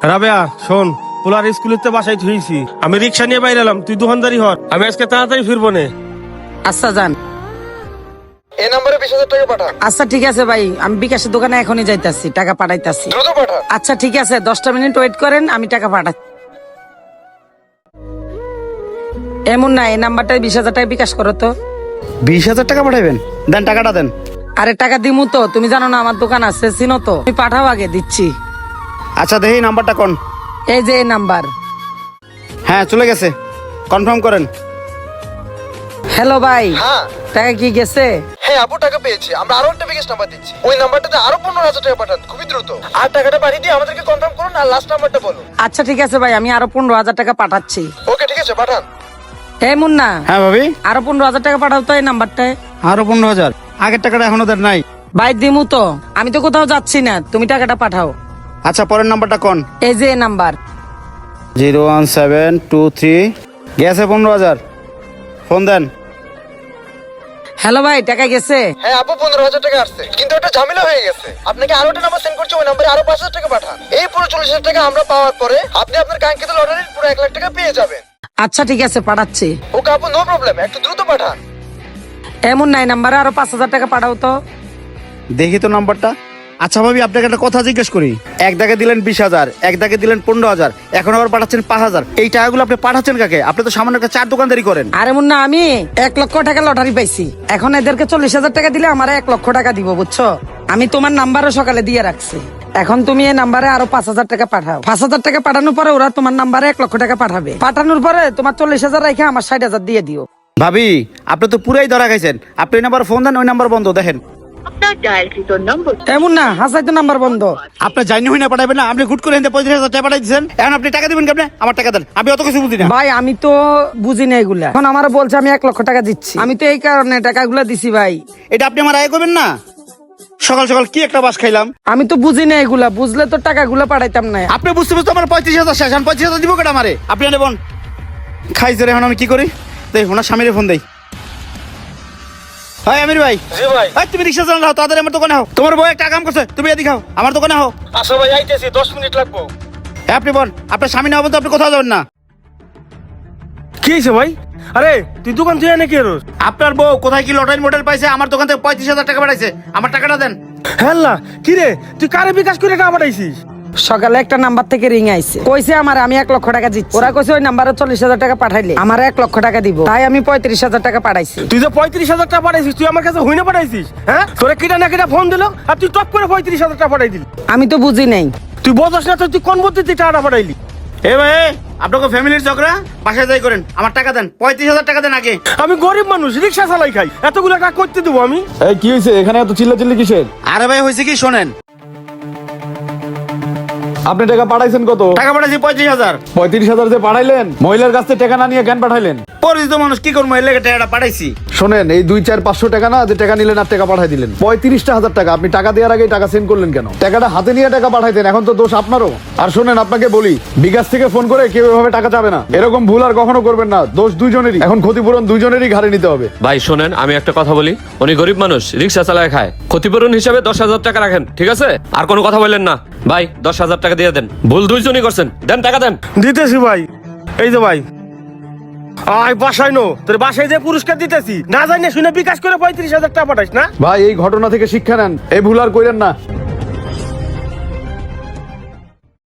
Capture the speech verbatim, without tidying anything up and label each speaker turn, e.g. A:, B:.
A: রাবেয়া শোন, পোলার স্কুলেতে বাসায় থুইছি, আমি রিক্সা নিয়ে বাইরে এলাম, তুই দোকানদারি হর, আমি আজকে তাড়াতাড়ি ফিরবো নে।
B: আচ্ছা যান।
C: এই নম্বরে বিশ হাজার টাকা পাঠা।
B: আচ্ছা ঠিক আছে ভাই, আমি বিকাশের দোকানে এখনই যাইতাছি, টাকা পাঠাইতাছি।
C: দ্রুত পাঠা।
B: আচ্ছা ঠিক আছে, দশটা মিনিট ওয়েট করেন, আমি টাকা পাঠাচ্ছি। এমন না, এই নাম্বারটায় বিশ হাজার টাকা বিকাশ করো তো।
D: বিশ হাজার টাকা পাঠাবেন? দেন টাকাটা দেন।
B: আরে টাকা দিমু তো, তুমি জানো না আমার দোকান আছে, চিনো তো, তুমি পাঠাও, আগে দিচ্ছি।
D: আচ্ছা দেখি নাম্বারটা কোন।
B: এই যে এই নাম্বার।
D: হ্যাঁ চলে গেছে, কনফার্ম করেন।
B: হ্যালো ভাই,
C: হ্যাঁ
B: টাকা কি গেছে?
C: হ্যাঁ আপু টাকা পেয়েছি, আমরা আরো একটা বিকাশ নাম্বার দিচ্ছি, ওই নাম্বারটাতে আরো পনেরো হাজার টাকা পাঠান খুবই দ্রুত। আর টাকাটা পাঠিয়ে দিয়ে আমাদেরকে কনফার্ম করুন আর লাস্ট নাম্বারটা বলুন।
B: আচ্ছা ঠিক আছে ভাই, আমি আরো পনেরো হাজার টাকা পাঠাচ্ছি।
C: ওকে ঠিক আছে পাঠান।
B: এই মুন্না,
D: হ্যাঁ ভাবি,
B: আরো পনেরো হাজার টাকা পাঠাও তো এই নাম্বারটায়।
D: আরো পনেরো হাজার? আগের টাকাটা এখনো দেন নাই।
B: ভাই দিমু তো, আমি তো কোথাও যাচ্ছি না, তুমি টাকাটা পাঠাও।
D: আচ্ছা পরের নাম্বারটা কোন?
B: এই যে এই number.
D: Zero one seven two three. গেছে পনেরো হাজার, ফোন দেন।
B: হ্যালো ভাই, টাকা গেছে?
C: হ্যাঁ আপু পনেরো হাজার টাকা আসছে, কিন্তু একটা ঝামেলা হয়ে গেছে, আপনাকে আরো একটা নাম্বার সেন্ড করছি, ওই নাম্বারে আরো পাঁচ হাজার টাকা পাঠান। এই পুরো চল্লিশ হাজার টাকা আমরা পাওয়ার পরে আপনি আপনার কাঙ্ক্ষিত লটারির পুরো এক লাখ টাকা পেয়ে যাবেন।
B: আচ্ছা ঠিক আছে, পাঠাচ্ছি।
C: ওকে আপু নো প্রবলেম, একটু দ্রুত পাঠান।
B: এমন নাই, নাম্বারে আরো পাঁচ হাজার টাকা পাঠাও তো।
D: দেখি তো নাম্বারটা। আচ্ছা ভাবি, আপনাকে একটা কথা জিজ্ঞেস করি, এক দাগে দিলেন বিশ হাজার, এক দাগে দিলেন পনেরো হাজার, এখন আবার পাঠাচ্ছেন পাঁচ হাজার, এই টাকাগুলো আপনি পাঠাচ্ছেন কাকে? আপনি তো সামান্য একটা চার দোকানদারি করেন।
B: আরে মুন্না, আমি এক লক্ষ টাকা লটারি পাইছি, এখন এদেরকে চল্লিশ হাজার টাকা দিলে আমার এক লক্ষ টাকা দিব, বুঝছো? আমি তোমার নাম্বারও সকালে দিয়ে রাখছি, এখন তুমি এই নাম্বারে আরো পাঁচ হাজার টাকা পাঠাও। পাঁচ হাজার টাকা পাঠানোর পরে ওরা তোমার নাম্বারে এক লক্ষ টাকা পাঠাবে, পাঠানোর পরে তোমার চল্লিশ হাজার রেখে আমার ষাট হাজার দিয়ে দিও।
D: ভাবি আপনি তো পুরাই ধরা খাইছেন, আপনি ওই নাম্বার ফোন দেন, ওই নাম্বার বন্ধ দেখেন।
B: এমন না, হাসাই তো নাম্বার বন্ধ।
D: আপনার জানি হই না পাঠাবেন না, আপনি গুট করে এনে পঁয়ত্রিশ হাজার টাকা পাঠাই দিচ্ছেন, এখন আপনি টাকা দিবেন কেমনে? আমার টাকা দেন, আমি অত কিছু বুঝি না।
B: ভাই আমি তো বুঝি না এগুলা, এখন আমার বলছে আমি এক লক্ষ টাকা দিচ্ছি, আমি তো এই কারণে টাকাগুলা দিছি ভাই।
D: এটা আপনি আমার আয় করবেন না? সকাল সকাল কি একটা বাস খাইলাম।
B: আমি তো বুঝি না এগুলা, বুঝলে তো টাকাগুলা পাঠাইতাম না।
D: আপনি বুঝতে বুঝতে আমার পঁয়ত্রিশ হাজার শেষ, এখন পঁয়ত্রিশ হাজার দিব কেটা আমারে? আপনি নেবেন খাইছে রে, এখন আমি কি করি? দেখ ওনার স্বামীরে ফোন দেই। হাই আমির ভাই।
A: জি ভাই।
D: এই তুমি রিক্সা চালাও, তাড়াতাড়ি আমার দোকানে হও, তোমার বউ একটা কাম করছে, তুমি এদিকে হও, আমার দোকানে হও।
A: আসো ভাই, আইতেছি, দশ মিনিট লাগবো।
D: হ্যাঁ আপনি বল, আপনার স্বামী না হবেন তো আপনি কোথাও যাবেন না।
A: কি হয়েছে ভাই? আরে তুই দোকান তুই এনে কি রোজ?
D: আপনার বউ কোথায় কি লটারি মডেল পাইছে, আমার দোকান থেকে পঁয়ত্রিশ হাজার টাকা পাঠাইছে, আমার টাকাটা দেন।
A: হ্যাঁ না, কি রে তুই কারে বিকাশ করে টাকা পাঠাইছিস?
B: সকালে একটা নাম্বার থেকে রিং আইছে, কইছে আমার আমি এক লক্ষ টাকা দিচ্ছি, ওরা কইছে ওই নাম্বারে চল্লিশ হাজার টাকা পাঠাইলে আমার এক লক্ষ টাকা দিব, তাই আমি পঁয়ত্রিশ হাজার টাকা পাঠাইছি।
A: তুই যে পঁয়ত্রিশ হাজার টাকা পাঠাইছিস, তুই আমার কাছে হইনা পাঠাইছিস? হ্যাঁ, তোরা কিটা না কিটা ফোন দিল আর তুই টপ করে পঁয়ত্রিশ হাজার টাকা পাঠাই দিলি।
B: আমি তো বুঝি নাই।
A: তুই বোঝাস না তো, তুই কোন পদ্ধতি টাকাটা পাঠাইলি?
D: এ ভাই, আপনাকে ফ্যামিলির ঝগড়া বাসায় যাই করেন, আমার টাকা দেন, পঁয়ত্রিশ হাজার টাকা দেন আগে।
A: আমি গরিব মানুষ, রিক্সা চালাই খাই, এতগুলো টাকা করতে দেবো আমি?
E: এই কি হয়েছে এখানে এত চিল্লাচিল্লি কিসের?
D: আরে ভাই হয়েছে কি শোনেন,
E: আপনি টাকা পাঠাইছেন কত?
D: টাকা পাঠাইছি পঁয়ত্রিশ হাজার।
E: পঁয়ত্রিশ হাজার যে পাঠাইলেন, মহিলার কাছ থেকে টাকা না নিয়ে কেন পাঠাইলেন?
D: পরিচিত মানুষ কি করবো, এর লেগে টাকাটা পাঠাইছি।
E: শোনেন, এই দুই চার পাঁচশো টাকা না যে টাকা নিলেন আর টাকা পাঠাই দিলেন, পঁয়ত্রিশটা হাজার টাকা আপনি টাকা দেওয়ার আগে টাকা সেন্ড করলেন কেন? টাকাটা হাতে নিয়ে টাকা পাঠাইতেন, এখন তো দোষ আপনারও। আর শোনেন, আপনাকে বলি, বিকাশ থেকে ফোন করে কেউ এভাবে টাকা চাবে না, এরকম ভুল আর কখনো করবেন না, দোষ দুইজনেরই, এখন ক্ষতিপূরণ দুইজনেরই ঘাড়ে নিতে হবে।
F: ভাই শোনেন, আমি একটা কথা বলি, উনি গরিব মানুষ, রিক্সা চালায় খায়, ক্ষতিপূরণ হিসাবে দশ হাজার টাকা রাখেন, ঠিক আছে? আর কোনো কথা বললেন না ভাই, দশ হাজার টাকা দিয়ে দেন, ভুল দুইজনই করছেন, দেন টাকা দেন।
A: দিতেছি ভাই, এই যে ভাই, আয় বাসায় নো, তোর বাসায় যে পুরস্কার দিতেছি, না জানি শুনে বিকাশ করে পঁয়ত্রিশ হাজার টাকা পাঠাইস না।
E: ভাই এই ঘটনা থেকে শিক্ষা নেন, এই ভুল আর কইরেন না।